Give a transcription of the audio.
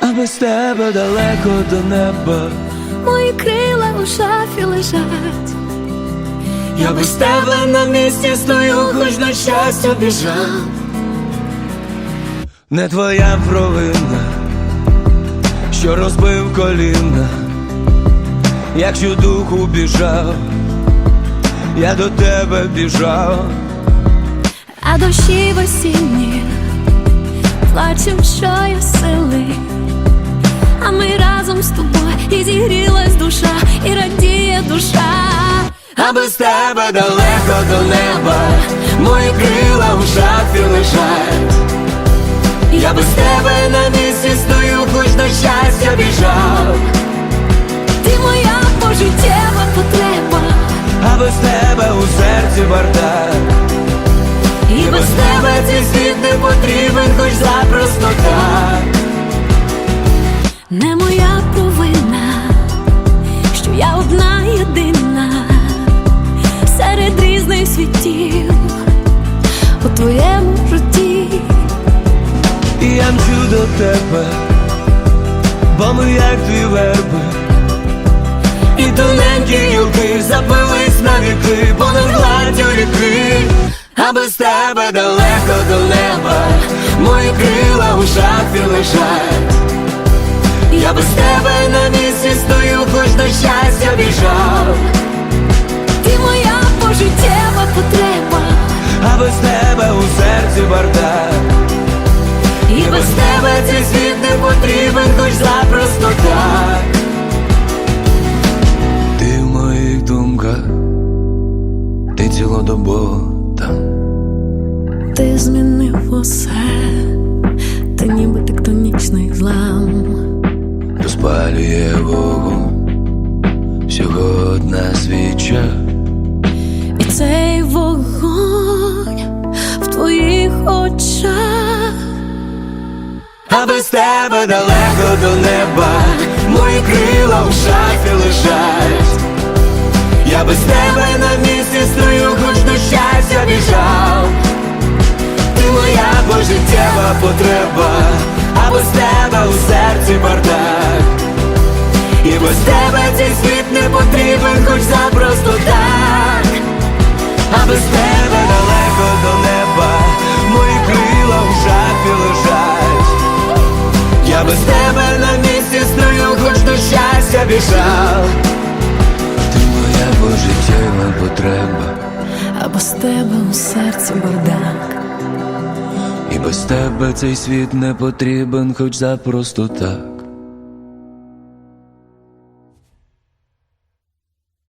а без тебе далеко до неба. Мої крила у шафі лежать. Я без тебе на місці стою, хоч на щастя біжав. Не твоя провина, що розбив коліна. Якщо духу біжав, я до тебе біжав. А дощі в осінні плачем, що я сили. А ми разом з тобою, і зігрілась душа, і радіє душа. А без тебе далеко до неба, мої крила у шафі лежать. Я без тебе на місці стою, хоч на щастя біжав. Ти моя пожиттєва потреба, А без тебе у серці бардак. і без тебе цей світ не потрібен, хоч запросто так. Не моя провина, що я одна єдина серед різних світів у твоєму житті. І я мчу до тебе, бо ми як дві верби. І тоненькі гілки запились на віки, понад гладдю ріки. А без тебе далеко до неба, мої крила у шафі лежать. Я без тебе на місці стою, хоч на щастя біжав. Ти моя пожиттєва потреба, А без тебе у серці бардак. і без тебе цей світ не потрібен, хоч запросто так. Ти в моїх думках, ти цілодобово там. ти змінив усе, ти ніби тектонічний злам. Розпалює вогонь всього одна свіча. І цей вогонь в твоїх очах. А без тебе далеко до неба, мої крила у шафі лежать. Я без тебе на місці стою, хоч до щастя біжав. Ти моя пожиттєва потреба, а без тебе у серці бардак. І без тебе цей світ не потрібен, хоч запросто так. А без тебе далеко до неба, мої крила у шафі лежать. Я без тебе на місці стою, хоч до щастя біжав. Ти моя пожиттєва потреба, А без тебе у серці бардак. і без тебе цей світ не потрібен, хоч запросто так.